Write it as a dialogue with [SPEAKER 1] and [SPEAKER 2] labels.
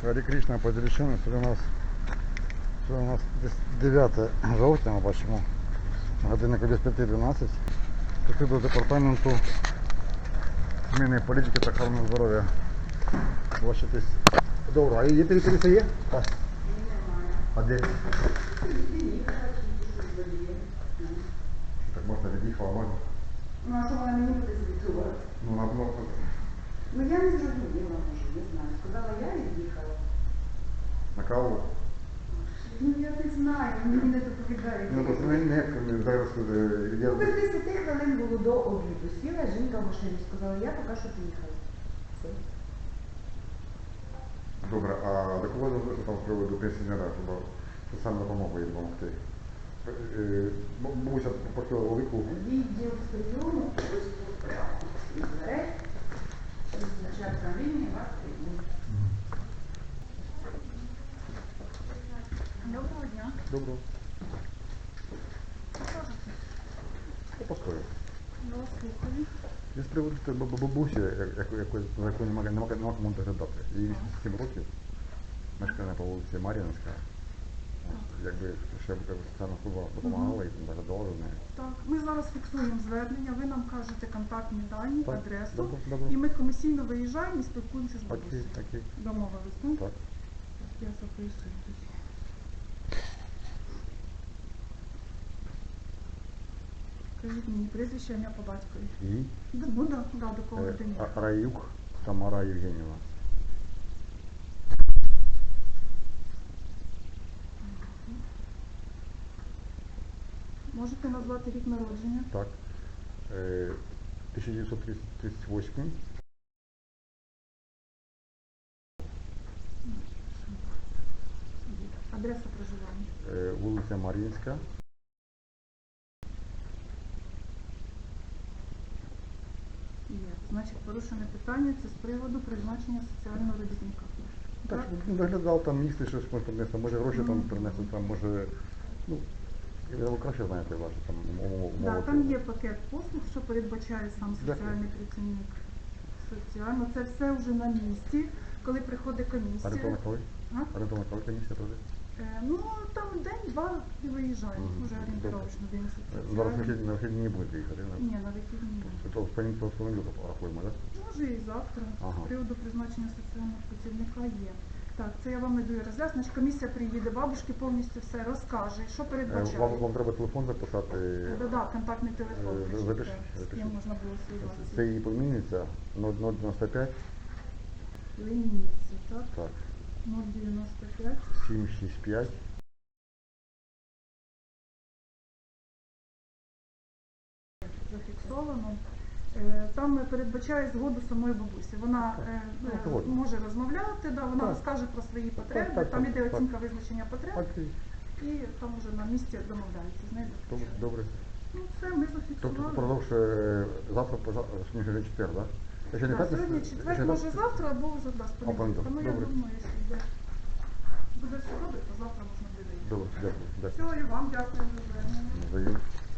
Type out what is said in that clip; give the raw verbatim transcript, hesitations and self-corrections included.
[SPEAKER 1] Харі Кришна, Подільщина. Сьогодні у нас, сьогодні у нас дев'яте жовтня, ми бачимо, годинник десь п'ять дванадцять. Тут до департаменту зміни політики та охорони здоров'я. Бачитесь. Добре, а є територія є? Так. А де? Так можна від'їхала, можна?
[SPEAKER 2] Ну, а що вона мені буде звітувати?
[SPEAKER 1] Ну, на блок.
[SPEAKER 2] Ну, я не зрозуміла, може, не знаю. Сказала, я від'їхала.
[SPEAKER 1] На каву?
[SPEAKER 2] Ну, я не знаю, мені не доповідають.
[SPEAKER 1] Ну, просто не, не, зараз я...
[SPEAKER 2] Ну, без десяти хвилин було до обіду. Сіла жінка в машину, сказала, я поки що поїхала. Все.
[SPEAKER 1] Добре, а до кого там з приводу пенсіонера, щоб соціальну допомогу їй допомогти? Бабуся попросила велику.
[SPEAKER 2] Відділ прийому, ось тут прямо від дверей. Началька лінії вас приймуть. Доброго дня.
[SPEAKER 1] Доброго. Постою.
[SPEAKER 2] Ну, слухаю.
[SPEAKER 1] Я з приводу бабусі, якої за якою нема кому доглядати. Їй вісімдесят сім років, мешкає по вулиці Мар'їнська. Якби ще соціальна служба допомагала і доглядала за нею.
[SPEAKER 3] Так, ми зараз фіксуємо звернення, ви нам кажете контактні дані,
[SPEAKER 1] Так,
[SPEAKER 3] адресу,
[SPEAKER 1] добре, добре.
[SPEAKER 3] і ми комісійно виїжджаємо і спілкуємося з
[SPEAKER 1] Окей,
[SPEAKER 3] бабусею.
[SPEAKER 1] окей.
[SPEAKER 3] Домовились, так?
[SPEAKER 1] Так.
[SPEAKER 3] Я записую тоді. Скажіть мені прізвище, ім'я по батькові.
[SPEAKER 1] І
[SPEAKER 3] Ну, да, да, до кого
[SPEAKER 1] е,
[SPEAKER 3] людині.
[SPEAKER 1] А- Раюк Тамара Євгенівна.
[SPEAKER 3] Можете назвати рік народження?
[SPEAKER 1] Так. Е, тисяча дев'ятсот тридцять восьмий.
[SPEAKER 3] Адреса проживання.
[SPEAKER 1] Е, вулиця Мар'їнська.
[SPEAKER 3] Є. Значить, порушене питання це з приводу призначення соціального робітника.
[SPEAKER 1] Так, ну, доглядав там місце, щось може принесли, може гроші там принесли, там може, ну, ви краще знаєте ваші там умови.
[SPEAKER 3] Да, там є пакет послуг, що передбачає сам
[SPEAKER 1] Дякую.
[SPEAKER 3] соціальний працівник. Соціально. Це все вже на місці, коли приходить комісія.
[SPEAKER 1] Орієнтовно коли?
[SPEAKER 3] А?
[SPEAKER 1] Орієнтовно коли комісія пройде?
[SPEAKER 3] Е, ну, там день-два і виїжджаємо,
[SPEAKER 1] Мгм.
[SPEAKER 3] вже орієнтировочно день
[SPEAKER 1] Зараз на
[SPEAKER 3] соціальний.
[SPEAKER 1] вихідні, на вихідні не будете їхати, не?
[SPEAKER 3] Ні, на вихідні ні.
[SPEAKER 1] То в понеділок, в понеділок рахуємо, так?
[SPEAKER 3] Може і завтра.
[SPEAKER 1] Ага.
[SPEAKER 3] З приводу призначення соціального працівника є. Так, це я вам не даю роз'яснення. Комісія приїде, бабушки повністю все розкаже, що передбачає.
[SPEAKER 1] Вам, вам треба телефон записати.
[SPEAKER 3] Да, да, контактний телефон.
[SPEAKER 1] Е,
[SPEAKER 3] пишіть,
[SPEAKER 1] запишіть,
[SPEAKER 3] так, з
[SPEAKER 1] запишіть.
[SPEAKER 3] ким можна було зв'язатися.
[SPEAKER 1] Це її племінниця нуль дев'яносто п'ять,
[SPEAKER 3] Лінійці, так?
[SPEAKER 1] так,
[SPEAKER 3] нуль дев'яносто п'ять.
[SPEAKER 1] сім шість п'ять,
[SPEAKER 3] Зафіксовано. Е, Там передбачає згоду самої бабусі. Вона е,
[SPEAKER 1] Ну,
[SPEAKER 3] е,
[SPEAKER 1] згодна.
[SPEAKER 3] може розмовляти, да, вона
[SPEAKER 1] Так.
[SPEAKER 3] розкаже про свої потреби,
[SPEAKER 1] так,
[SPEAKER 3] там
[SPEAKER 1] так,
[SPEAKER 3] іде
[SPEAKER 1] так.
[SPEAKER 3] оцінка визначення потреб,
[SPEAKER 1] окей,
[SPEAKER 3] і там вже на місці домовляється з нею.
[SPEAKER 1] добре, добре.
[SPEAKER 3] Ну все, ми
[SPEAKER 1] Тобто
[SPEAKER 3] зафіксували.
[SPEAKER 1] продовж е, завтра, поза- сьогодні вже четвер, так? Якщо не
[SPEAKER 3] Да,
[SPEAKER 1] п'ятниця,
[SPEAKER 3] сьогодні
[SPEAKER 1] якщо
[SPEAKER 3] четвер,
[SPEAKER 1] не
[SPEAKER 3] може
[SPEAKER 1] п'ятниця-
[SPEAKER 3] завтра або вже да, з понеділка.
[SPEAKER 1] понеділок,
[SPEAKER 3] Ну я
[SPEAKER 1] добре.
[SPEAKER 3] думаю, якщо йде. Буде все добре, то завтра можна буде.
[SPEAKER 1] Добре, дякую, дякую.
[SPEAKER 3] Все, і вам дякую за звернення.
[SPEAKER 1] Взаємно.